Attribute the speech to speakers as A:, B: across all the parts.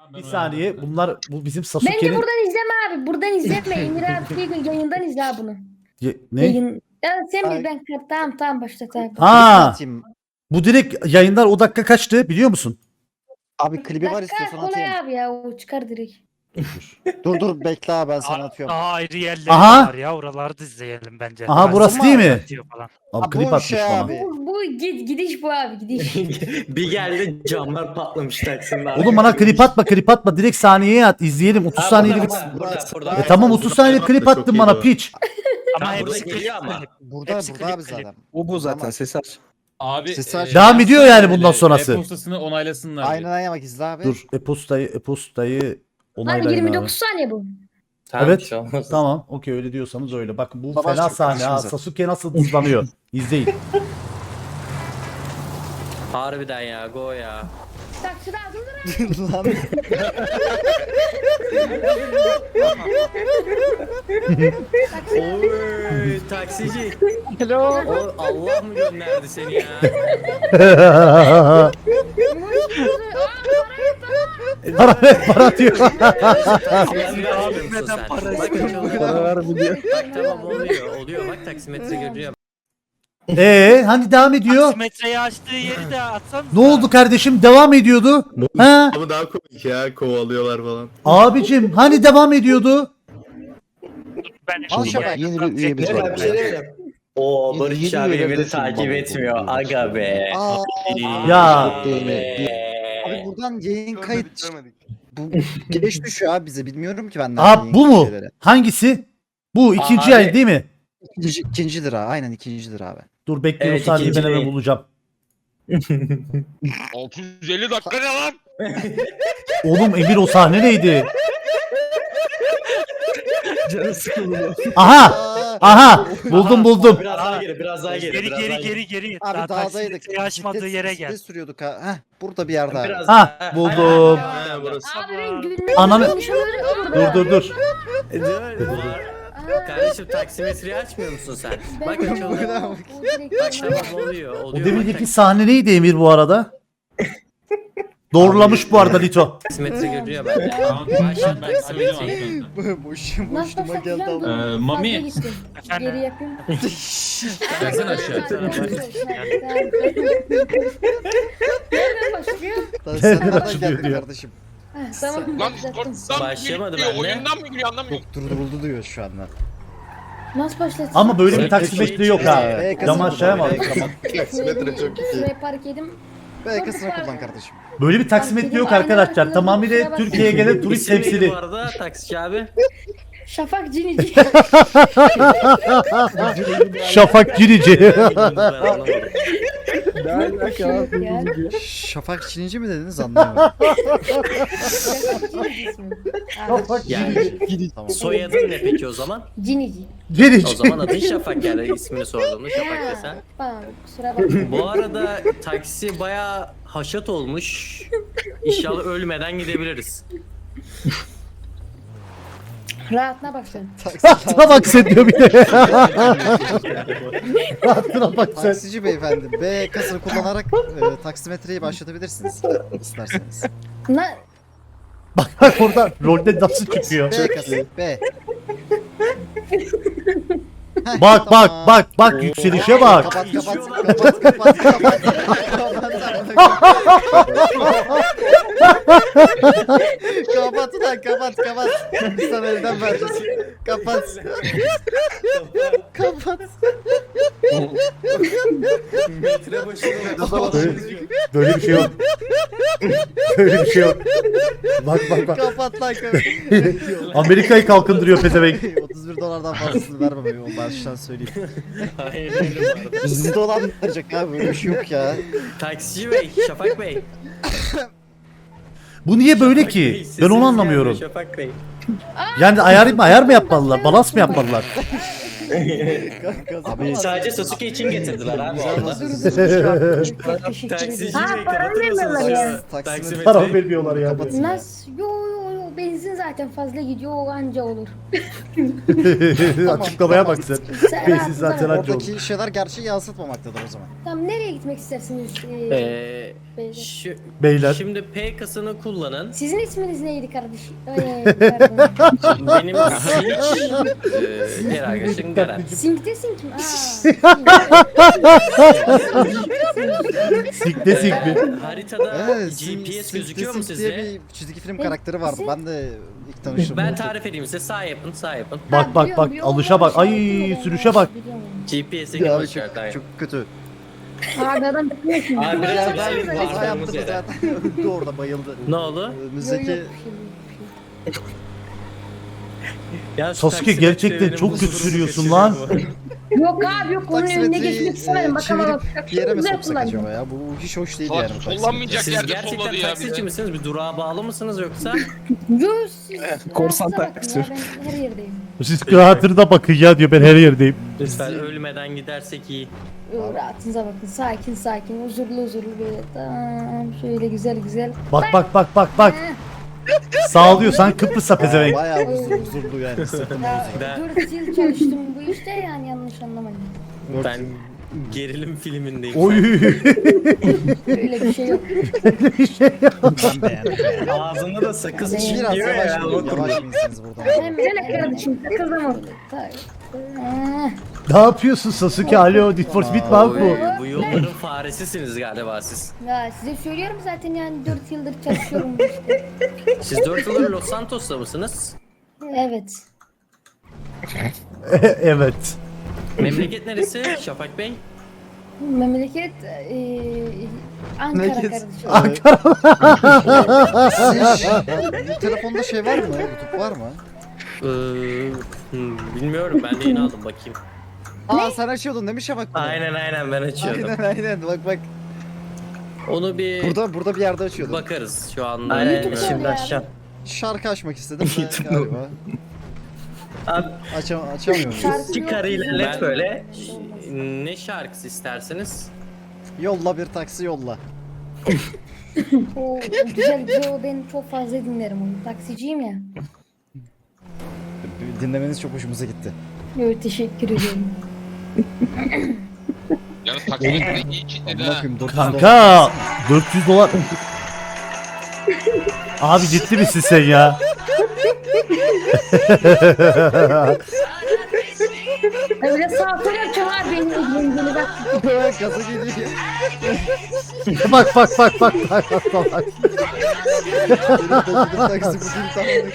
A: Bir saniye bu bizim
B: Bence
A: Sasuke'nin...
B: buradan izleme abi. Buradan izletme. Emir abi yayından izle abi bunu.
A: Ne?
B: Yayın... Ya sen bir ben tamam başlat abi.
A: Ha,
C: Atayım.
A: bu direkt yayınlar o dakika kaçtı biliyor musun?
C: Abi klibi var
B: Dakika
C: istiyorsan
B: kolay
C: atayım.
B: abi ya o çıkar direkt.
C: Dur bekle abi ben sana atıyorum.
D: Daha ayrı yerleri
A: Aha.
D: var ya. Oraları da izleyelim bence.
A: Aha, burası değil mi?
D: Atıyor falan.
A: Abi
C: Ha,
A: klip
C: bu
A: atmış
C: şey
A: bana.
C: abi.
B: Bu gidiş bu abi gidiş.
E: Bir geldi camlar patlamış Taksim'de.
A: Oğlum bana klip atma direkt saniyeye at izleyelim 30 saniyelik.
E: Burada.
A: Tamam 30 saniyelik klip attın bana piç.
D: Ama
E: Tamam, burada
D: hepsi
E: geliyor ama.
C: Burada
D: Hepsi
C: burada abi
D: klip.
C: zaten.
F: Bu zaten
C: Tamam.
F: ses aç.
G: Abi
C: Sesi aç.
A: Devam ediyor yani bundan
G: öyle,
A: sonrası.
G: E-postasını onaylasınlar.
C: Aynen aynen bak izle abi.
A: Dur e-postayı
B: Abi
A: onaylayın
B: 29
A: abi.
B: saniye bu.
E: Tamam,
A: Evet.
E: bir şey olmaz.
A: Tamam okey öyle diyorsanız öyle. Bak bu
C: Savaş
A: fena
C: çok
A: sahne ha.
C: karşımıza.
A: Sasuke nasıl hızlanıyor. İzleyin.
E: Harbiden ya go ya.
B: Takside dur.
C: Lan.
E: Oy taksici.
C: Hello.
E: O Allah mı gönderdi seni ya?
A: Para diyor.
E: Taksimetre açmıyor musun
D: Neden
E: sen?
D: para
E: Bak açıldı.
F: Para ver mi diyor.
E: Bak tamam oluyor bak taksimetre görüyor.
A: Hani devam ediyor.
D: Taksimetreyi açtığı yeri de atsanız.
A: Ne oldu kardeşim? Devam ediyordu. Ha?
H: Ama daha komik ya kovalıyorlar falan.
A: Abicim hani devam ediyordu?
D: Ben
C: Al Şafak,
F: yeni bir üyemiz
E: Ne
F: var.
E: ben bir şey diyeyim. Oo
F: Yeni-
E: Barış
F: yeni
E: abi
F: üyeler
E: beni
F: de
E: takip
F: sunmalı
E: etmiyor.
F: oldu.
E: Aga be.
C: Aa,
A: Ya.
C: abi buradan yayın kayıt. Bu geç düşüyor abi bize bilmiyorum ki benden.
A: Aa
C: yayın
A: bu mu?
C: şeyleri.
A: Hangisi? Bu ikinci
E: Abi.
A: yayın değil mi?
C: İkincidir ha aynen ikincidir abi.
A: Dur bekleyin
E: Evet,
A: o saniyeyi ben
E: ikinci
A: hemen
E: yayın.
A: bulacağım.
G: 650 dakika ne lan?
A: Oğlum Emir o sahne neydi?
F: Canı sıkılıyor.
A: Aha! Aha! Buldum.
E: Biraz daha geri biraz daha geri.
D: Geri
E: biraz daha
D: geri.
C: Abi
D: Daha
C: dağdaydık.
D: taksimetreyi açmadığı yere gel.
C: Sürüyorduk ha. Heh, burada bir yerde abi.
E: Biraz
A: Ha
E: daha.
A: buldum.
H: Ha burası.
B: Abi ben gülmeyi
A: Ananı-
B: konuşamıyorum.
A: Dur.
E: Kardeşim taksimetreyi açmıyor musun sen? Bak açıldı. Bak tamam oluyor.
A: O
E: Oluyor.
A: demirdeki sahne neydi Emir bu arada? Doğrulamış bu arada Lito.
E: Taksimetre görüyor bende.
G: Tamam,
E: Başlat
G: ben
E: taksimetreyi.
C: Boşuma
B: Nasıl başlatacağım? Dur.
G: Mami.
B: Fazla gittim.
D: Efendim?
B: Geri yapayım.
G: Gelsene aşağı.
B: Nereden başlıyor?
C: Sen
A: Nereden
C: nereden
A: açılıyor
C: geldin
A: diyor.
C: kardeşim?
B: Ha, tamam.
G: Lan
B: başlattım.
G: Discord'dan
E: Başlamadı
G: geliyor,
E: bende.
G: oyundan mı geliyor anlamıyorum.
C: Durdu buldu diyor şu anda.
B: Nasıl başlatacağım?
A: Ama böyle bir
E: Böyle
A: taksimetre yok ha.
C: Evet.
A: Cam aşağıya mı?
H: Taksimetre çok iyi.
B: Şuraya park edeyim.
C: Belkasına kullan kardeşim.
A: Böyle bir taksimetre yok arkadaşlar. Tamamıyla Türkiye'ye gelen turist
E: İsim neydi
A: temsili.
E: bu arada taksici abi?
B: Şafak Cinici.
A: Şafak Cirici.
E: Ben anlamadım.
F: Ne alaka abi?
B: Ya.
C: Şafak Çinici mi dediniz anlayamadım.
B: Şafak Cinici ismi.
E: Yani
C: Tamam.
E: soyadın ne peki o zaman?
B: Cinici.
A: Cirici.
E: O zaman adın Şafak yani ismini sorduğumda Şafak desen.
B: Tamam kusura bakma.
E: Bu arada taksi bayağı haşat olmuş. İnşallah ölmeden gidebiliriz.
B: Rahatına başlayın.
A: Rahatına bak sen diyor bir de. Rahatına bak sen.
C: Taksici beyefendi B kasını kullanarak taksimetreyi başlatabilirsiniz isterseniz.
A: Bak orada rolde nasıl çıkıyor.
C: B kası B. Heh,
A: Bak
C: tamam.
A: bak yükselişe bak.
C: Kapat. Kapat lan kapat. Sana elden vereceğiz. Kapat.
E: Metre başına
A: Böyle bir şey yok. Böyle bir şey yok. Bak.
C: Kapat lan kapat.
A: Amerika'yı kalkındırıyor pezevenk.
C: $31'dan fazlasını vermem onu baştan söyleyeyim.
E: Aynen öyle bu arada.
C: Bizi dolandıracak abi böyle bir şey yok ya.
E: Taksici bey, Şafak bey.
A: Bu niye böyle
E: Şafak
A: ki?
E: Bey,
A: Ben
E: sesiniz
A: onu anlamıyorum.
E: gelmiyor Şafak bey.
A: Yani ayar mı yapmalılar? Balans mı yapmalılar?
C: Abi
E: Sadece Sasuke için getirdiler abi
C: Güzel
E: orada.
C: basıyorsunuz.
E: Taksici
B: Ha,
E: bey
B: para
E: kapatır
B: vermiyorlar
E: mısınız?
B: ya.
A: Para
E: Taksimetreyi.
A: vermiyorlar ya.
C: Kapat.
B: Nasıl? Yo benzin zaten fazla gidiyor o anca olur.
A: Açıklamaya bak sen.
B: Sen
A: Benzin
B: rahatınıza
A: zaten
B: bakın.
A: anca olur.
C: Oradaki şeyler gerçeği yansıtmamaktadır o zaman.
B: Tamam nereye gitmek istersiniz? Beyler?
A: Beyler.
E: Şimdi P kasını kullanın.
B: Sizin isminiz neydi kardeşim? Pardon.
E: Benim Sinch, diğer arkadaşım Garen.
B: Sink'te Sink mi?
A: Sikte sik mi?
E: Haritada
C: Evet,
E: GPS
C: Sim-
E: gözüküyor mu
C: Sim- diye
E: sizce?
C: bir çizgi film
B: Ben-
C: karakteri vardı.
B: Sim-
C: Ben de ilk tanıştım.
E: Ben tarif edeyim size. Sağ yapın, sağ yapın.
A: Bak bak bak alışa bak. Ay sürüşe bak.
E: GPS'e
C: Ya
E: git
C: abi
E: aşağıdan.
C: çok kötü.
B: Abi adam bitmiyor ki.
E: Abi biraz
C: Ya
E: daha
C: ben
E: bir
C: kaza
E: bakmamız
C: yaptım
E: yere.
C: zaten. Öldü orada bayıldı.
E: Ne oldu?
C: Önümüzdeki
E: Ya şu
A: Sasuke
E: taksi
A: gerçekten
E: bekleyenin
A: çok kötü
E: bozulduğunu
A: sürüyorsun
E: kaçırıyor
A: lan.
E: bu.
B: Yok abi yok onun önüne
C: taksimetreyi
B: geçmek istemedim. Bakalım
C: çevirip bir yere mi
B: Güzel
C: soksak
B: kullandım.
C: acaba ya? Bu hiç hoş değil
G: Salak,
C: yani. bu taksimetre.
G: kullanmayacak
E: Siz
G: yerde
E: gerçekten
G: solladı ya
E: taksici
G: bize.
E: misiniz? Bir durağa bağlı mısınız yoksa?
B: Yok siz
F: korsan
B: rahatınıza bakın
F: taksi.
B: ya, Ben her yerdeyim.
A: Siz kıraatına bakın ya diyor ben her yerdeyim.
E: Lütfen ölmeden gidersek iyi.
B: Rahatınıza bakın. Sakin sakin. Huzurlu huzurlu böyle. Tamam. Şöyle güzel güzel.
A: Bak bak bak bak bak. Sağlıyorsan Kıbrıs'a pezevenk.
C: Bayağı huzurlu yani. Sırtım
B: Ya,
E: Ben-
B: 4 yıl çalıştım bu işte yani yanlış anlamayın.
E: Ben gerilim filmindeyim.
A: Oy.
B: Öyle bir şey yok.
C: ben beğendim.
E: Ağzında da sakız
B: Biraz
C: Biraz
E: çiğniyor
C: yavaş,
E: ya.
C: yavaş binsiniz buradan.
B: Hemen kardeşim takıldım orada.
A: Ne yapıyorsun Sasuke? Alo Need for Speed mi abi bu?
E: Oy, bu yolların faresisiniz galiba siz.
B: Ya size söylüyorum zaten yani 4 yıldır çalışıyorum bu işte.
E: Siz 4 yıldır Los Santos'ta mısınız?
B: Evet.
A: Evet.
E: Memleket neresi Şafak Bey?
B: Memleket Ankara
C: Memleket-
B: kardeşim.
C: Bu telefonda şey var mı? YouTube var mı?
E: Bilmiyorum ben de yeni aldım bakayım.
C: Aa sen açıyordun değil mi Şafak bunu?
E: Aynen ben açıyordum.
C: Aynen bak.
E: Onu bir
C: Burada bir yerde açıyordun.
E: bakarız şu anda.
B: Aynen,
E: bilmiyorum.
B: şimdi aşağı.
C: Şarkı açmak istedim de
F: YouTube
C: galiba.
F: Abi
C: Açamıyorum.
B: Şarkı yok.
F: çıkar ilerlet
E: Ben-
F: böyle.
E: Ne şarkısı isterseniz?
C: Yolla bir taksi yolla.
B: O güzel o ben çok fazla dinlerim onu. Taksiciyim ya.
C: Dinlemeniz çok hoşumuza gitti.
B: Evet teşekkür ediyorum.
G: Yani taksimetre iyi kitledi
C: Amına
G: ha.
C: koyayım 400
A: Kanka 400 dolar. Abi ciddi misin sen ya?
B: Öyle sağ sol yapacağım abi benim ilgili bak.
C: dolar. Gaza geliyor.
A: Bak bak bak bak bak bak bak.
C: Taksi bugün tamam.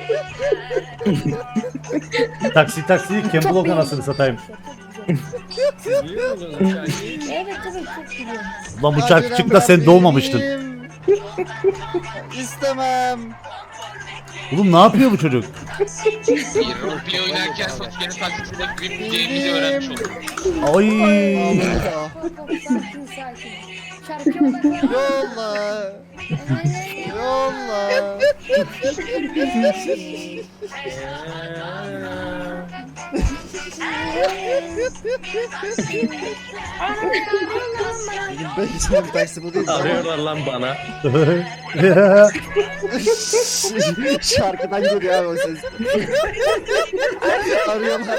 A: Taksi Campbell
B: Çok
A: anasını satayım.
E: Biliyor musunuz bu şarkıyı?
B: Evet tabii çok biliyorum.
A: Lan bu şarkı çıktı da sen doğmamıştın.
C: İstemem.
A: Oğlum ne yapıyor bu çocuk?
G: Bir roleplay oynarken Sasuke'nin taksisinde bilmeyeceğimizi öğrenmiş olduk.
A: Ay.
B: Sakin sakin. Şarkıya odaklan.
C: Yolla. Yolla. Ben gideceğim taksi bu değil.
E: Arıyorlar lan bana.
C: Şarkıdan geliyor abi o ses. Arıyorlar.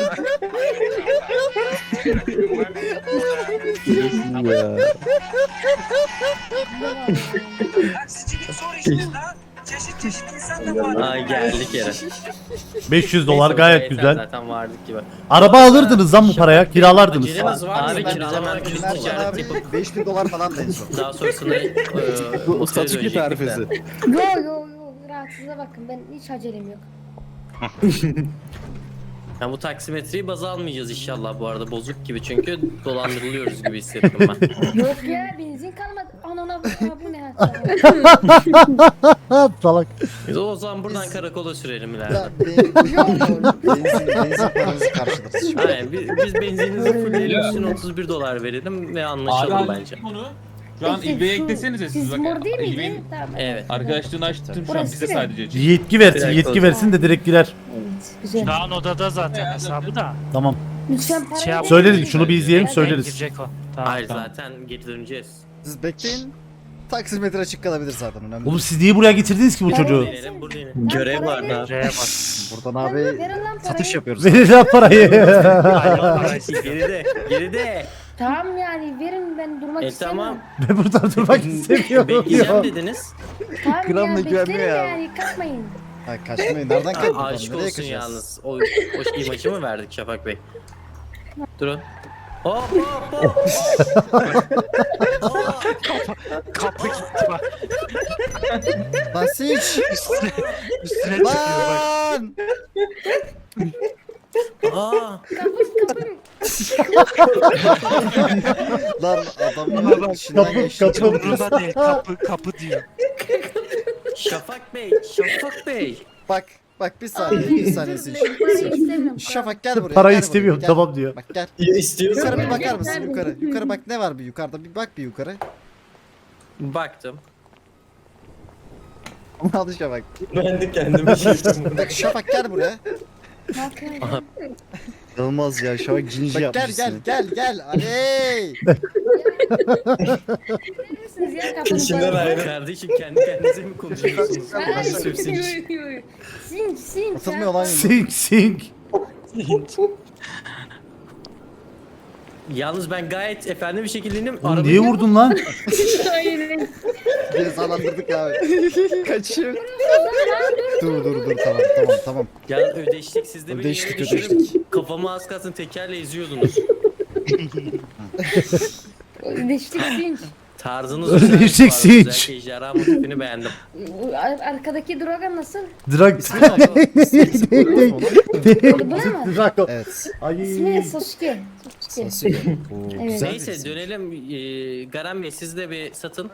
F: Ya.
E: Ay geldik yere.
A: 500 dolar
E: Neyse,
A: gayet
E: yeter,
A: güzel.
E: Zaten vardık gibi.
A: Araba alırdınız lan bu paraya, kiralardınız.
E: Acelemiz var mı?
C: Abi,
E: Abi kiralamak
C: Biz
E: için ticaret
C: abi
E: yapıp
C: 5000 dolar falan da en son.
E: daha sonrasında
F: Bu
E: otele
F: Sasuke
E: dönecektik de.
F: tarifesi.
B: Yo rahatsıza bakın ben hiç acelem yok.
E: Ya bu taksimetreyi baz almayacağız inşallah bu arada bozuk gibi çünkü dolandırılıyoruz gibi hissettim ben.
B: Yok ya benzin kalmadı. Anana bu ne hatta.
A: Salak.
E: Biz o zaman buradan karakola sürelim ileride.
C: Ya, benzin paranızı karşılarız şu an.
E: Aynen biz benzininizi fullleyelim üstüne 31 dolar verelim ve anlaşalım bence.
G: Bunu şu an İlbe'ye eklesenize siz
B: Siz
G: bak.
B: mor değil
G: İlbe'nin
B: miydi? Tamam.
E: Evet.
G: arkadaşlığını açtım şu an
B: Burası
G: bize
B: ne?
G: sadece.
A: Yetki versin,
F: Direkt
A: yetki
F: olsun.
A: versin de direkt girer.
B: Evet güzel.
D: Şu an odada zaten hesabı da.
A: Tamam.
B: Lütfen parayı
D: Şey yap-
A: Söyledik, şunu bir izleyelim,
B: Evet.
A: söyleriz.
D: Girecek o. Tamam.
E: Hayır
D: tamam.
E: zaten geri döneceğiz.
C: Siz bekleyin. Taksimetre açık kalabilir zaten önemli.
A: Oğlum siz niye buraya getirdiniz ki bu çocuğu?
E: Verelim burada yine.
F: Görev var abi.
D: Buraya bak.
C: Buradan abi
B: Verin lan
C: satış
B: parayı.
C: yapıyoruz.
A: Verin lan parayı.
E: Geride. Geride.
B: Tamam yani verin ben durmak istemiyorum.
E: Tamam.
A: Ben buradan durmak istemiyorum
E: Bekleyeceğim
A: diyor.
E: dediniz.
B: Tamam
C: Gramla
B: ya
C: güvenmiyor
B: beklerim
C: ya.
B: yani kaçmayın.
C: Ha, kaçmayın. Nereden kaçtık?
E: Aşk
C: Nereye
E: olsun
C: kaçacağız?
E: yalnız. O imajı mı verdik Şafak Bey? Durun. Hop hop hop.
D: Kapı gitti bak.
C: Basiç!
D: Üstüne çıkıyor bak.
C: Lan!
E: Aa.
B: Kapım.
C: Lan adamın içinden
A: Kapı,
C: geçti.
A: kapı.
D: Umurunda değil. Kapı diyor.
E: Şafak Bey. Şafak Bey.
C: Bak bir saniye, bir saniye Sinç.
B: Ben parayı istemiyorum.
C: Şafak gel buraya.
A: Parayı
C: gel buraya,
A: istemiyorum
C: gel.
A: tamam diyor.
C: Bak gel.
F: İstiyorsan
C: Yukarı bir
B: Gel,
C: bakar
B: gel,
C: mısın
B: gel.
C: yukarı? Yukarı bak ne var bir yukarıda bir bak bir yukarı.
E: Baktım.
C: Al Şafak.
F: ben de kendime şey yapıyorum.
C: Bak Şafak gel buraya.
B: Ne yapıyorsun?
C: Olmaz ya Şafak cinci yapmışsın. Gel. Aley.
B: Neredesiniz ya kapının
F: İçinden
B: parayı?
F: ayrı.
E: Kardeşim kendi kendinize mi konuşuyorsunuz?
B: Ay,
E: Hadi sürsin.
B: Sinç.
C: Atılmıyor lan.
A: Sink.
E: Yalnız ben gayet efendi bir şekilde indim.
A: Oğlum niye vurdun lan?
B: Hayır.
C: Beni salandırdık abi. Kaçıyor. Dur tamam.
E: Ya ödeştik siz de beni
C: Ödeştik,
E: yere düşürüp
C: ödeştik.
E: kafamı az kalsın tekerle eziyordunuz.
B: Deştik Sinç.
E: Tarzınız
A: Ödeştik,
E: güzelmiş bu arada.
A: Sinç.
E: Özellikle ejderha motifini beğendim.
B: Arkadaki droga nasıl?
A: Drag.
B: Bu ne mi?
A: Drago.
C: Evet.
B: İsmi
A: Ay.
B: Sasuke.
C: Sasuke. Oo,
B: Evet.
C: güzel
E: Neyse
C: birisi.
E: dönelim. Garan Bey siz de bir satın.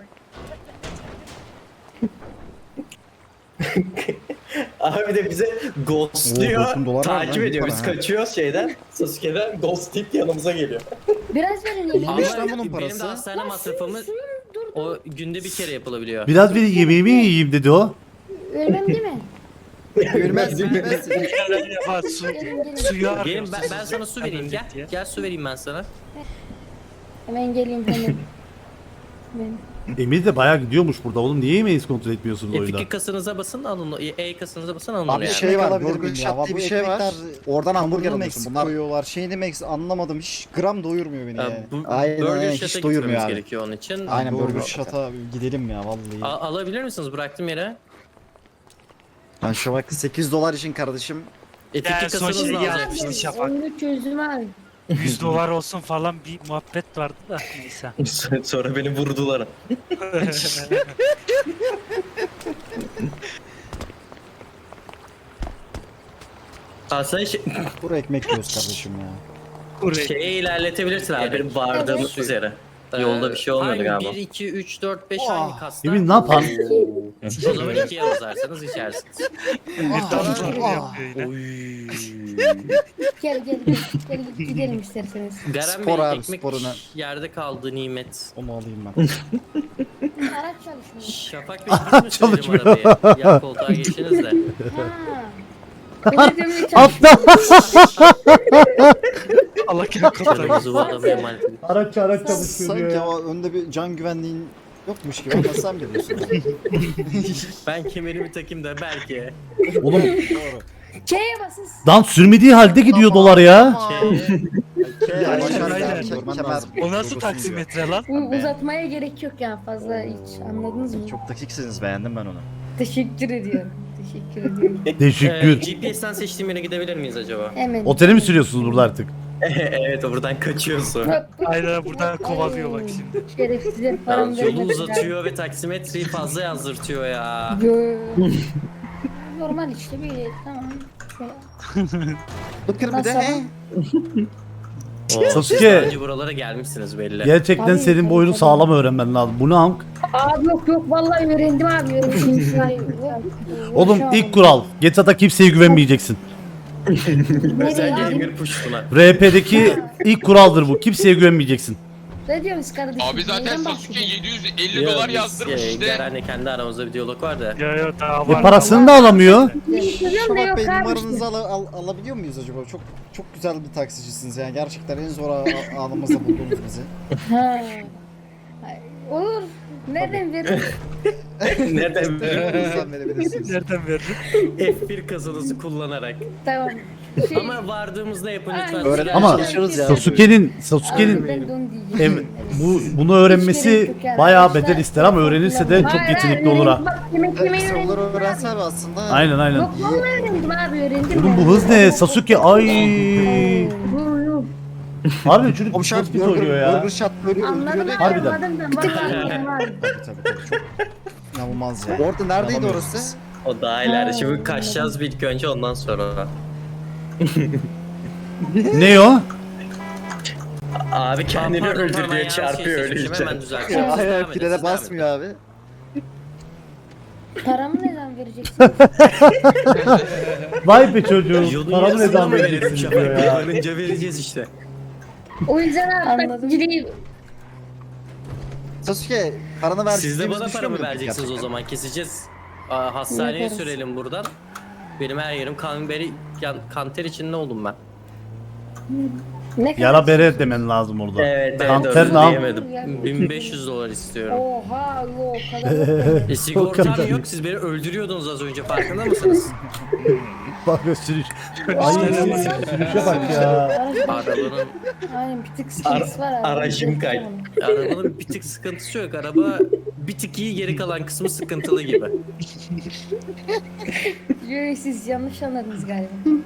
F: Abi de bize ghostluyor.
C: Oo, 90 dolar var
F: Takip
C: lan,
F: ediyor.
C: iyi
F: Biz
C: para ha.
F: kaçıyoruz şeyden. Sasuke'den ghost tip yanımıza geliyor.
B: Biraz verin ya.
E: Ama
C: lan bunun
E: benim
C: parası.
E: de hastane masrafımı o günde bir kere yapılabiliyor.
A: Biraz bir yemeğimi yiyeyim dedi o.
B: Ölmem değil mi?
C: Gülmez.
D: Bak su.
B: Gelin.
D: Suyu
E: Gelin
D: arıyoruz.
E: ben sana su vereyim gel.
D: diye.
E: Gel su vereyim ben sana.
B: Hemen geleyim hemen.
A: Emir de bayağı gidiyormuş burada oğlum. Niye yemeğinizi kontrol etmiyorsunuz oyunda?
E: F2 kasınıza basın alın. E kasınıza basın alın.
C: Abi
E: yani.
C: şey var,
I: alabilir
C: Burger
I: miyim ya?
C: Shop diye
I: Bu
C: bir şey var. Oradan hamburger
I: Hamburger
C: alıyorsun.
I: Meksik
C: Bunlar
I: koyuyorlar. Şeyini Meksik anlamadım. Hiç gram doyurmuyor beni yani.
C: Aynen,
E: Burger
C: aynen,
E: Shot'a
C: hiç doyurmuyor
E: gitmemiz
C: abi.
E: gerekiyor onun için.
C: Aynen,
I: Burger
C: Burger
I: Shot'a gidelim ya vallahi.
E: Alabilir misiniz? Bıraktım yere.
C: Ben şu vakti 8 dolar için kardeşim.
E: F2
D: Ya, son
E: kasınızla
D: şey
E: alacaksınız.
D: yazmışsın Şafak.
B: Onu çözdüm abi.
D: 100 dolar olsun falan bir muhabbet vardı da neyse.
F: Sonra beni vurdular.
E: Aslında şey,
I: Kuru ekmek yiyoruz kardeşim ya.
D: Buraya.
E: şeye ilerletebilirsin abi.
F: Benim bardağımız üzere. Yolda bir şey olmuyordu
E: hangi
F: galiba.
E: 1, 2, 3, 4, 5 hangi kasta?
A: Emir ne yapar?
E: O zaman 2'ye yazarsanız içersiniz.
B: Gel gidelim isterseniz.
E: Garen
C: Spor
E: Bey
C: abi,
E: ekmek
C: sporuna.
E: yerde kaldı nimet.
I: Onu alayım ben.
B: Araç çalışmıyor.
E: Şafak Bey biz mi sürelim
A: Çalışmıyor.
E: arabaya? Yan koltuğa geçiniz de.
B: Ha. Öyle demeyi
A: Atla.
D: Allah kendi kapıdan.
E: Kırmızı bu adamı emanet edin.
A: Araç çalışıyor
I: Sanki
A: ya.
I: o önde bir can güvenliğin yokmuş gibi ama sen biliyorsun.
E: Ben kemerimi takayım da belki.
A: Oğlum
B: Şeye basın.
A: dan sürmediği halde gidiyor dolar ya.
D: O nasıl taksimetre lan?
B: Uzatmaya gerek yok yani fazla hiç anladınız mı?
C: Çok dakiksiniz, beğendim ben onu.
B: Teşekkür ediyorum. Teşekkür ediyorum.
A: Teşekkür.
E: GPS'ten seçtiğim yere gidebilir miyiz acaba?
B: Hemen.
A: Otele mi sürüyorsunuz burada artık?
E: Evet o buradan kaçıyorsun.
D: Aynen buradan kovalıyor bak şimdi.
B: Şerefsizler param
E: Yolu
B: vermedi.
E: uzatıyor ve taksimetreyi fazla yazdırtıyor ya.
B: Yo. Normal işte bir tamam. Şöyle.
C: Bakır bir de
B: Nasıl?
C: he.
A: Sasuke.
E: Daha önce buralara gelmişsiniz belli.
A: Gerçekten
B: Tabii,
A: senin
B: tabii,
A: boyunu
B: tabii.
A: sağlam öğrenmen lazım. Bu ne amk?
B: Abi yok vallahi öğrendim abi öğrendim.
A: Oğlum ilk kural. GTA'da kimseye güvenmeyeceksin.
E: Özellikle
B: Nereye
E: Emir Puştu'na.
A: RP'deki ilk kuraldır bu. Kimseye güvenmeyeceksin.
B: Ne diyorsunuz kardeşim?
G: Abi zaten
B: Neyden
G: Sasuke
B: bahsediyorsun?
G: 750 dolar yazdırmış işte.
E: Garen'le kendi aramızda bir diyalog var da.
D: Yo daha var.
A: Parasını da alamıyor.
B: Biliyorum da
I: Şafak
B: yok
I: Bey
B: abi
I: numaranızı
B: işte.
I: alabiliyor muyuz acaba? Çok güzel bir taksicisiniz yani. Gerçekten en zor anımızda buldunuz bizi.
B: Ha. Olur. Nereden verin?
F: Nereden biliyorsun?
C: Hızdan verebilirsiniz.
D: Nereden veririm?
E: F1 kazanızı kullanarak.
B: Tamam.
E: Ama vardığımızda yapın lütfen.
B: Ay,
E: Sigara
A: Ama
E: çalışıyoruz ya.
A: Sasuke'nin
B: Ben de onu diyecektim.
A: bunu öğrenmesi bayağı bedel ister ama öğrenirse de çok yetenekli olur ha.
B: Bak, yemek yemeyi
C: Kısa
B: öğrendim.
C: olur öğrense abi aslında.
A: Aynen aynen.
B: Yok vallahi öğrendim abi öğrendim.
A: Oğlum
B: ben.
A: bu hız ne? Sasuke ay.
B: Yok.
A: Harbi çocuk
C: Komşak
A: çok pis oynuyor ya.
C: burger shot böyle
B: Anladım
C: öldürüyor
B: abi,
C: da.
A: Harbiden.
B: anladım ben. Vallahi anladım abi.
I: Tabii çok inanılmaz ya.
C: Orada neredeydi
I: Yapamıyoruz.
C: orası?
F: O daha ileride. Şimdi kaçacağız bir ilk önce ondan sonra.
A: Ne o?
F: Abi kendini
E: Pardon,
F: öldür
E: tamam,
F: diyor
E: yanlış
F: çarpıyor
E: şey seçmişim,
F: ölünce.
E: Hemen düzelteceğim.
C: Hayır
E: Devam
C: hayır
E: et,
C: frene
E: devam et.
C: basmıyor abi.
B: Paramı neden vereceksin?
A: Vay be çocuğum.
E: Yolun
A: Paramı ne
E: yarısını
A: zaman
E: mı verelim
A: vereceksiniz
E: Şafak
A: diyor
E: Bey?
A: ya.
E: Varınca vereceğiz işte.
B: O yüzden abi taksiciliği
C: Sasuke paranı ver.
E: Siz de bana paramı vereceksiniz o zaman. Keseceğiz. Hastaneye
B: Yaparız.
E: sürelim buradan. Benim her yerim kanter içinde oldum ben.
B: ne kadar?
A: Yara bere demen lazım orada.
F: Evet
A: Kanter
F: evet
A: ne
F: doğru
A: yap-
F: diyemedim.
E: 1500 dolar istiyorum.
B: Oha yok o kadar yok.
E: Sigortam
A: kadar.
E: yok. Siz beni öldürüyordunuz az önce. Farkında mısınız?
A: Bak sürüş. Ay sürüşe bak ya.
E: Arabanın
B: Aynen bir tık sıkıntısı var abi.
F: Aracım kay.
E: arabanın bir tık sıkıntısı yok. Araba bir tık iyi, geri kalan kısmı sıkıntılı gibi.
B: Yok siz yanlış anladınız galiba.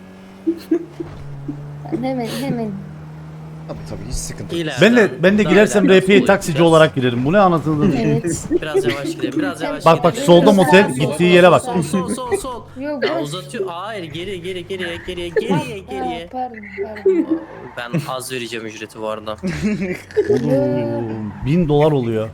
B: hemen.
I: Tabii hiç sıkıntı yok.
E: İleriden,
A: Ben de
E: daha
A: girersem
E: ileriden
A: RP'ye
E: sola
A: taksici
E: gideceğiz.
A: olarak girerim. Bu ne anasını
B: Evet.
E: Biraz yavaş gidelim. Biraz yavaş
A: Bak, bak,
E: gidelim.
A: solda motel,
E: Sol,
A: gittiği
E: sol,
A: yere bak.
E: Sol sol.
B: Yok
E: Ya
B: boş.
E: uzatıyor. Hayır geriye.
B: Aa, pardon.
E: Ben az vereceğim ücreti bu arada.
A: Oğlum, $1000 oluyor.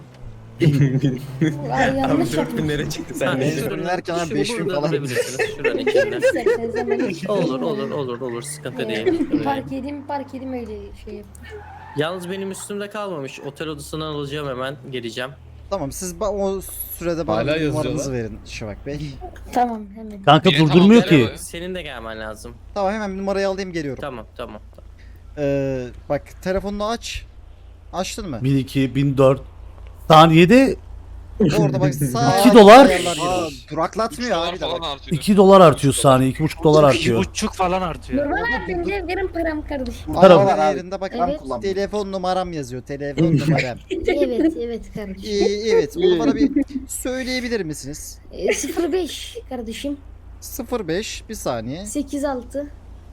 B: Ay yanlış
F: Abi
B: yaptım.
F: 4000 lira çıktı
E: Ha,
F: sen ne?
E: şuranın-
C: Dinlerken abi
E: şu
C: 5000
E: burada
C: falan.
E: durabilirsiniz, şuranın içinde.
B: İsterseniz hemen
E: Olur sıkıntı değil.
B: Park edeyim öyle şey yap.
E: Yalnız benim üstümde kalmamış. Otel odasından alacağım, hemen geleceğim.
C: Tamam siz o sürede bana
H: Hala
C: bir numaranızı
H: yazıyorlar.
C: verin Şafak Bey.
B: Tamam hemen.
A: Kanka
G: Tamam,
A: durdurmuyor
G: gel
A: ki.
G: abi.
E: Senin de gelmen lazım.
C: Tamam hemen bir numarayı alayım geliyorum.
E: Tamam.
C: Bak telefonunu aç. Açtın mı?
A: 1002, 1004. Saniyede
C: Orada bak sağ
A: 2 dolar.
C: ayarlar geliyor. Duraklatmıyor
G: Dolar
C: abi de
G: falan
C: bak.
G: artıyor.
A: $2 artıyor saniye. $2,5 artıyor.
D: 2,5 falan artıyor.
B: Normal abi bence verin param kardeşim.
A: Param.
C: Ayarlar yerinde bak
B: Evet.
C: telefon numaram yazıyor. Telefon numaram.
B: Evet kardeşim.
C: Evet onu bana bir söyleyebilir misiniz?
B: 05 kardeşim.
C: 05 bir saniye.
B: 86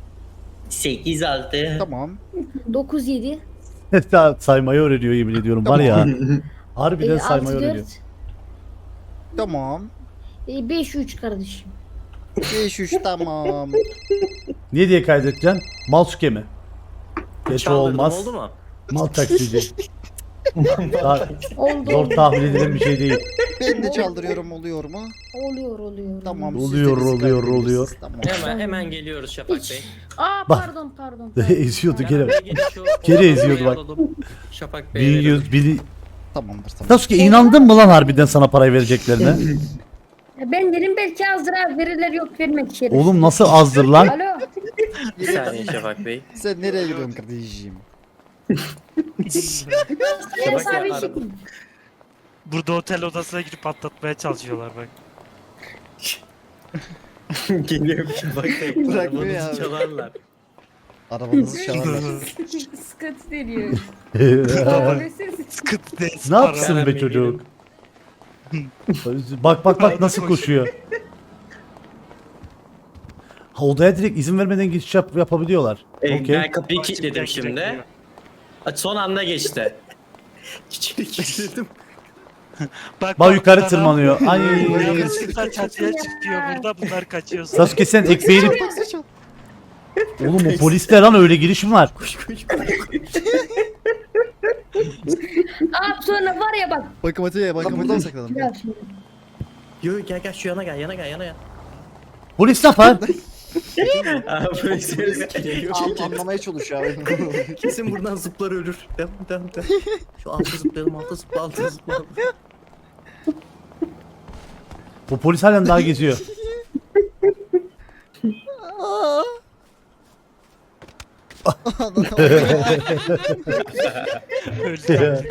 F: 8-6.
C: Tamam.
B: 97
A: Daha saymayı öğreniyor yemin ediyorum var ya. Harbiden saymayı
B: 64
A: öğreniyor.
C: Tamam.
B: 53 kardeşim.
C: 53 tamam.
A: Niye diye kaydedeceksin? Malsuke mi? Geç
E: Çaldırdım,
A: olmaz.
E: oldu mu?
A: Mal taksici. Daha
B: Oldu.
A: zor tahmin edilen bir şey değil.
C: Ben de çaldırıyorum oluyor mu?
B: Oluyor.
C: Tamam. siz de
A: Oluyor,
C: bizi
A: oluyor,
C: kaydediyorsunuz.
A: oluyor.
C: Tamam.
E: Hemen geliyoruz Şafak Bey.
B: Aa
A: Bak.
B: pardon.
A: Eziyordu gene.
E: Hemen gelin şu
A: Geri
E: odadan
A: eziyordu
E: buraya
A: bak.
E: alalım. Şafak Bey.
A: 1100, 1000.
C: Tamamdır tamam.
A: Sasuke inandın mı lan harbiden sana parayı vereceklerine?
B: Ben dedim belki azdır abi verirler yok vermek için.
A: Oğlum nasıl azdır lan?
B: Alo.
E: Bir saniye Şafak Bey.
C: Sen nereye gidiyorsun kardeşim?
B: Evet abi
E: araba.
D: Burada otel odasına girip patlatmaya çalışıyorlar bak.
F: Geliyor.
E: Bak
C: Bırakmıyor ya
E: arabanızı
C: abi.
E: çalarlar.
C: Arabanızı çalarlar.
B: Sıkıntı veriyor.
D: Sıkıntı değil.
A: Ne yapsın
E: Para
A: be
E: ben
A: çocuk? Bak nasıl koşuyor. Ha, odaya direkt izin vermeden geçiş yapabiliyorlar. Okey.
F: Ben kapıyı kilitledim şimdi. Son anda geçti.
E: İçeri kilitledim.
A: Bak yukarı
D: bunlar
A: tırmanıyor. Ay.
D: Yanlışlıkla çatıya çıkıyor burada bunlar kaçıyor.
A: Sasuke sen ekmeğini... Oğlum o polisler lan öyle giriş mi var?
B: Abi sonra var ya bak.
C: Bankamatiğe sakladım.
B: Gel şimdi.
E: Yo gel şu yana gel.
A: Polis ne yapar?
F: Abi polis geliyor.
C: Anlamaya çalışıyor abi.
E: Kesin buradan zıplar ölür. Devam. Şu alta zıplayalım, alta zıplayalım.
A: Bu polis halen daha geziyor.
D: Öldü.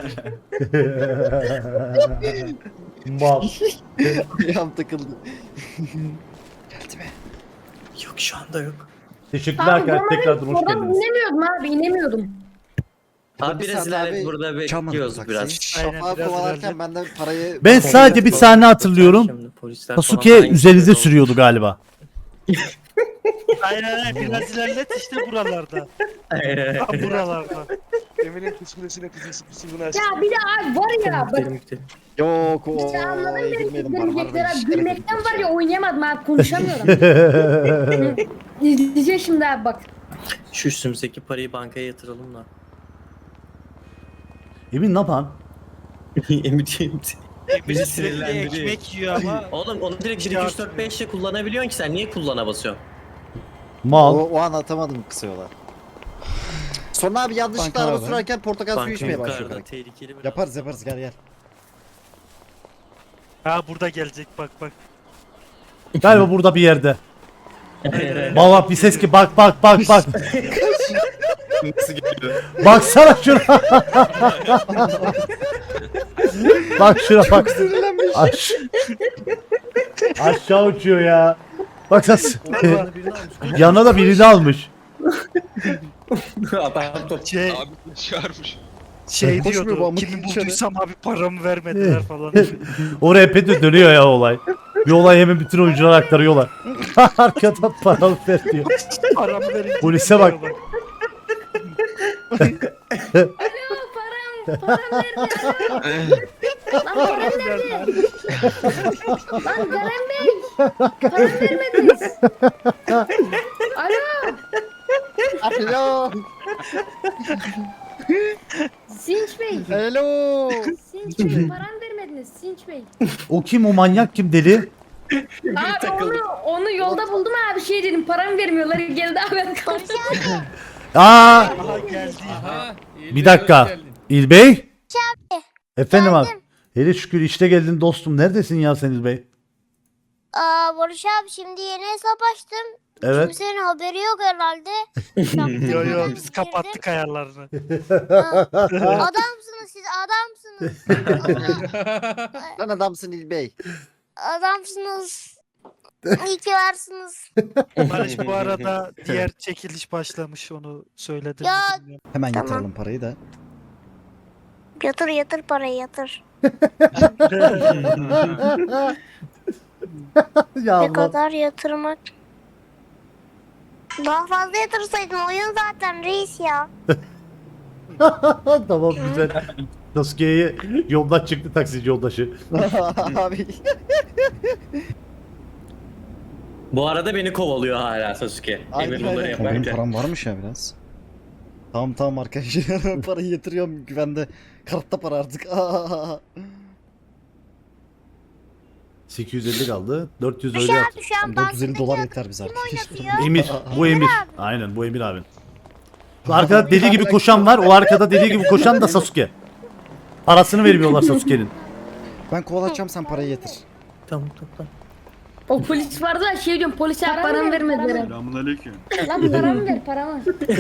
A: Mal.
C: Ayağım takıldı.
E: Yok şu anda yok.
A: Teşekkürler arkadaşlar. Tekrardan hoş
B: Oradan
A: geldiniz.
B: inemiyordum abi inemiyordum.
E: Abi
C: Bir
E: biraz
C: saat abi
E: ilerlet burada
C: çalmadı
E: bekliyoruz
C: taksiyi.
E: biraz.
C: Şafağı
D: biraz
C: kovalarken
D: ilerle.
C: ben de parayı...
A: Ben sadece bir sahne hatırlıyorum.
E: Şimdi polisler falan
A: Sasuke
E: hangi
A: üzerinize
E: oldu?
A: sürüyordu galiba.
D: Aynen biraz ilerlet işte buralarda. Tam buralarda.
J: Emir'in psikolojisine kızısına
B: Ya bir de abi var ya bak.
E: Gidelim gidelim.
C: Yok o
B: İşte anladın beni
C: girmedim
B: gülmekten
C: barbarda.
B: gülmekten var ya oynayamadım abi konuşamıyorum. İzleyeceğim şimdi abi bak.
E: Şu üstümüzdeki parayı bankaya yatıralım da.
A: Emin ne yapan?
E: Eminim.
D: Bizi sürekli
E: sinirlendiriyor.
D: ekmek yiyor ama.
E: Oğlum onu direkt 1 2 3 4 5 ile kullanabiliyorsun ki sen niye kullana basıyorsun?
A: Mal.
C: O an atamadım kısa yola. Sonra abi yanlışlıkla
I: Banka
C: araba
I: abi.
C: sürerken portakal suyu
E: Banka
C: içmeye başlıyor
E: yukarıda
C: direkt.
E: tehlikeli biraz.
I: Yaparız gel gel.
D: Ha burada gelecek bak bak.
A: Galiba burada bir yerde.
D: Aynen.
A: Bak bir ses ki bak.
H: Nasıl geliyor?
A: Baksana şuna. Bak şuna bak. Aşağı uçuyor ya. Bak nasıl. Yanına da birini almış.
E: Adam top.
D: Şey,
G: Abi çağırmış.
D: şey
I: Koşmuyor bu
D: diyordu.
I: amık
D: Kimi
I: dışarı.
D: bulduysam abi paramı vermediler falan.
A: Oraya epey dönüyor ya olay. Bir olay hemen bütün oyuncular aktarıyorlar. Arkadan para ver diyor.
D: Paramı verince
A: Polise bak.
D: gidiyor
B: Alo param nerede? Lan param nerede? Lan Garen Bey. Param vermediniz. Alo.
C: Alo.
B: Sinç Bey.
C: Hello.
B: Sinç Bey param vermediniz Sinç Bey.
A: O kim, o manyak kim, deli?
B: Abi onu yolda buldum abi şey dedim paramı vermiyorlar geldi abi ben kaldım.
A: Aa,
D: Aha geldi.
A: bir dakika. İlbey? Efendim abi. Hele şükür işte geldin dostum. Neredesin ya sen İlbey?
K: Barış abi şimdi yeni hesap açtım.
A: Evet.
K: Kimsenin haberi yok herhalde.
D: Yo yo biz kapattık ayarlarını.
K: Adamsınız siz adamsınız.
C: Lan adamsın İlbey.
K: Adamsınız. İyi ki varsınız.
D: Barış bu arada diğer çekiliş başlamış onu söyledim.
K: Ya-
D: bilmiyorum.
I: Hemen
K: Tamam.
I: yatıralım parayı da.
K: Yatır parayı yatır.
A: Ya
K: Ne
A: Allah.
K: kadar yatırmak? Daha fazla yatırsaydın oyun zaten reis ya.
A: Tamam güzel. Sasuke'ye yoldan çıktı taksici yoldaşı.
C: Abi.
E: Bu arada beni kovalıyor hala Sasuke.
C: Aynen,
E: Emir bunları
C: aynen.
I: Ama benim
E: yaparken.
I: param varmış ya biraz. Tamam arkadaşlar parayı yatırıyorum güvende. Kartta para artık.
A: 850 kaldı. 400
K: Şu
A: öyle
K: an
A: at.
K: şu an
I: 450 dolar
K: bankadaki
I: yeter bize
K: kim
I: arkadaşlar.
K: oynatıyor?
A: Emir. Bu Emir. Aynen bu Emir abi. Şu arkada deli gibi koşan var. O arkada deli gibi koşan da Sasuke. Parasını vermiyorlar Sasuke'nin.
I: Ben kovalayacağım sen parayı yatır.
E: Tamam tamam.
B: O polis vardı ya şey diyorum polise paramı vermediler.
J: Selamünaleyküm.
B: Lan paramı ver paramı.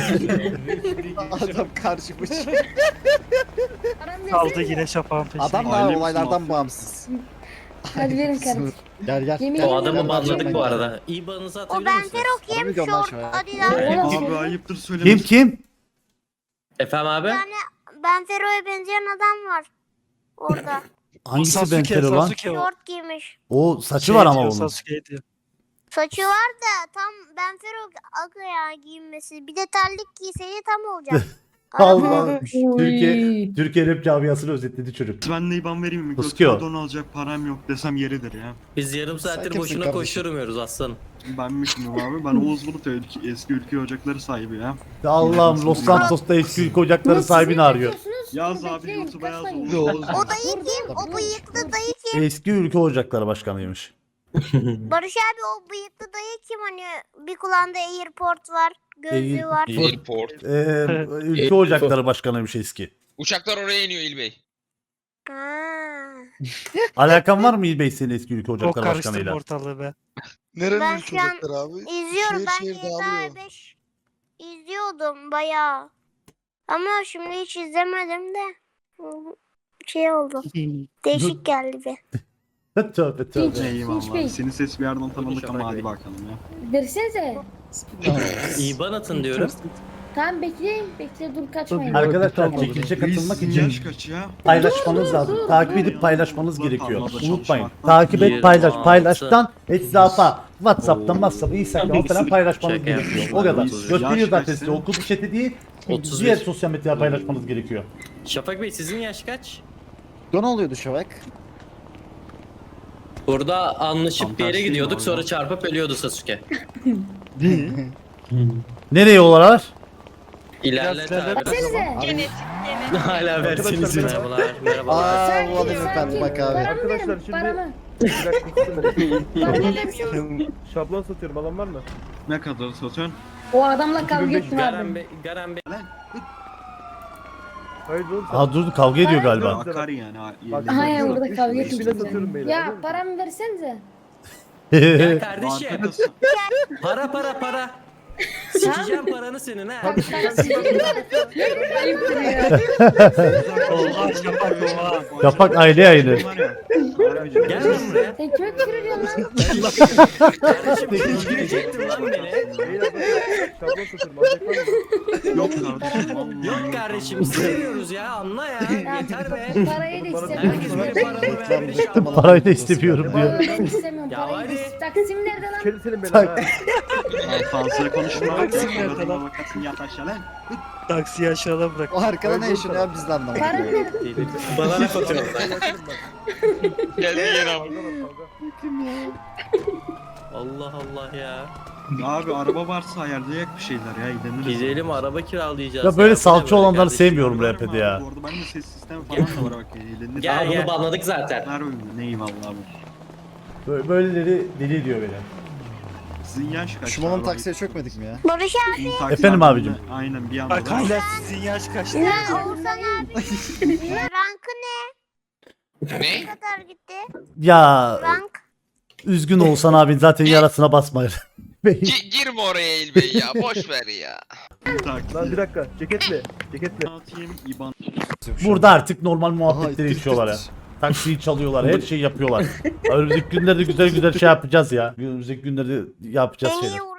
C: Adam karşımış.
B: Paramı
D: Kaldı
B: versene.
D: yine şafağın peşinde.
C: Adam da olaylardan bağımsız.
B: Hadi verin kardeşim.
I: Gel.
B: Yemin
E: O
B: ederim
E: adamı
B: ben
E: banladık bu
B: vermem.
E: arada. İban'ınızı
K: O
E: atabilir
K: ben
E: misiniz?
K: Ferok
C: Harbi
K: yem
C: diyorum lan
K: short
C: şu an.
K: Adidas.
B: Oğlum,
J: ayıptır
A: Kim?
E: Efendim abi?
K: Yani ben Fero'ya benzeyen adam var. Orada.
A: Hangisi ben
D: Sasuke,
A: Fero lan?
D: Sasuke o.
K: Şort giymiş.
A: O saçı
D: Şey
A: var ama
D: diyor,
A: onun.
D: Sasuke diyor.
K: Saçı var da tam ben Fero akaya giyinmesi. Bir de terlik giyseydi tam olacak.
A: Allah.
B: Uy.
A: Türkiye rap camiasını özetledi çocuk.
J: Ben de IBAN vereyim mi?
A: Sasuke o.
J: Götüme don alacak param yok desem yeridir ya.
E: Biz yarım
I: Sen
E: saattir
I: kimsin
E: boşuna
I: kardeşim?
E: koşturmuyoruz aslanım.
J: Ben mi şimdi abi? Ben Oğuz Bulut ya, eski ülke ocakları sahibi ya.
A: Allah'ım Los Santos'ta eski ülke ocakları sahibini arıyor.
J: Yaz abi YouTube'a yaz Oğuz.
K: O dayı kim? O bıyıklı dayı kim?
A: Eski ülke ocakları başkanıymış.
K: Barış abi o bıyıklı dayı kim hani bir kulağında AirPort var, gözlüğü var.
G: Airport.
A: Ülke ocakları başkanıymış eski.
G: Uçaklar oraya iniyor İlbey.
K: Ha.
A: Alakan var mı İlbey senin eski ülke
D: O
A: ocakları
D: karıştırma
A: başkanıyla?
D: ortalığı be.
K: Ben şu an izliyorum ben GTA 5 izliyorum. izliyordum bayağı. Ama şimdi hiç izlemedim de. Şey oldu. Değişik geldi bir.
A: Tövbe tövbe.
B: Hiç Bey.
J: Eyvallah. Senin ses bir yerden tanıdık ama hadi bakalım ya.
B: Versenize.
E: İban atın diyorum.
B: Tamam bekleyin. Bekle dur kaçmayın.
A: Arkadaşlar çekilişe katılmak
J: Sizin
A: için
J: yaş kaç ya?
A: paylaşmanız lazım. Takip edip paylaşmanız gerekiyor.
J: Tarlada
A: Unutmayın.
J: çalışmak.
A: Takip et, paylaş.
E: 26.
A: Paylaştan etrafa WhatsApp'tan, Instagram'dan falan paylaşmanız
E: Şaka
A: gerekiyor.
E: yapmışım.
A: O kadar.
J: Yaş
A: Gösteriyor zaten
J: kaç
A: size.
J: senin?
A: Okul chat'i değil.
E: 31.
A: Diğer sosyal medyada paylaşmanız gerekiyor.
E: Şafak Bey sizin yaş kaç?
C: Ne oluyordu Şevak?
E: Burada anlaşıp
J: Tam
E: bir yere
J: tersi
E: gidiyorduk
J: mi
E: sonra
J: orada?
E: çarpıp ölüyordu Sasuke.
A: Nereye yollar?
E: İlerlet abi.
B: Versenize.
E: Hala versiniz. Merhabalar. Merhabalar.
C: Aa bu hanımefendi bak abi.
B: Paramı verin. Paramı. Paramı versenize.
H: Şablon satıyorum, alan var mı?
J: Ne kadar satıyorsun?
B: O adamla kavga ettim
E: Garen
B: abi.
E: Bey, Garen Bey.
H: Hayır oğlum.
A: Aa dur kavga ediyor galiba.
J: Akar yani.
B: Aha ya burada kavga
H: İşine satıyorum
B: ettim.
H: beyler.
B: Ya paramı versenize.
E: Ya kardeşim.
J: Arkada
E: Para. Sikeceğim paranı senin ha.
B: Ayıptır ya.
D: Oha Şafak oha.
A: Şafak aile yayını.
E: Gel lan buraya.
B: Sen kime küfür ediyorsun lan?
E: Kardeşim öldürecektin lan beni.
H: Şablon satıyorum, alacak var mı?
J: Yok kardeşim. vallahi.
E: Yok kardeşim istemiyoruz ya anla ya. Yeter be.
B: Parayı da
E: Herkes
B: istemiyorum.
E: benim paramı vermiş ama.
A: Parayı da istemiyorum diyor.
B: Vallahi ben istemiyorum.
E: Ya
B: Parayı da
E: hadi.
B: Taksim nerede lan?
H: Kerim senin belanı ha.
J: Fazla konuşma.
D: Taksim nerede
J: Suratına
D: lan?
J: bakarsın yat aşağı lan.
D: Taksiyi aşağıda bırak.
C: O arkada ne yaşanıyor ya biz de anlamadık.
B: Paramı verin.
E: Bana laf atıyorsun.
G: Geldi yine abi.
E: Allah Allah ya.
J: Abi araba varsa ayarlayak bir şeyler ya. Gidelim.
E: Gidelim araba kiralayacağız.
A: Ya böyle
E: Bu ne
A: salça
E: böyle
A: olanları
E: kardeşim?
A: sevmiyorum rap'ede ya.
J: Bu arada benim de ses sistemi falan da var bak. Eğlenir.
E: Gel bunu banladık zaten.
J: Ver oyunu. Ne eyvallah abi.
A: Böyleleri deli ediyor beni.
J: Sizin yaş kaç?
C: Şuman'ın
J: abi?
C: taksiye çökmedik mi ya?
K: Barış abi.
J: Sizin taksi
A: Efendim
J: abi-
A: abicim.
J: Aynen bir anda.
D: Bak hala sizin yaş kaçtı.
K: Ya Oğuzhan abi. Rankı ne?
G: Ne?
K: Ne kadar gitti?
A: Ya
K: Rank.
A: üzgün olsan abin zaten yarasına basmayır.
G: Girme oraya İlbey ya. Boş ver ya.
H: Lan bir dakika, ceketle. Ceketle.
J: Atayım İban.
A: Burada artık normal
C: Aha,
A: muhabbetleri
C: tık
A: içiyorlar ya.
C: tık.
A: Taksiyi çalıyorlar, her şeyi yapıyorlar. Önümüzdeki günlerde güzel güzel şey yapacağız ya. Önümüzdeki günlerde yapacağız
K: En iyi
A: şeyler.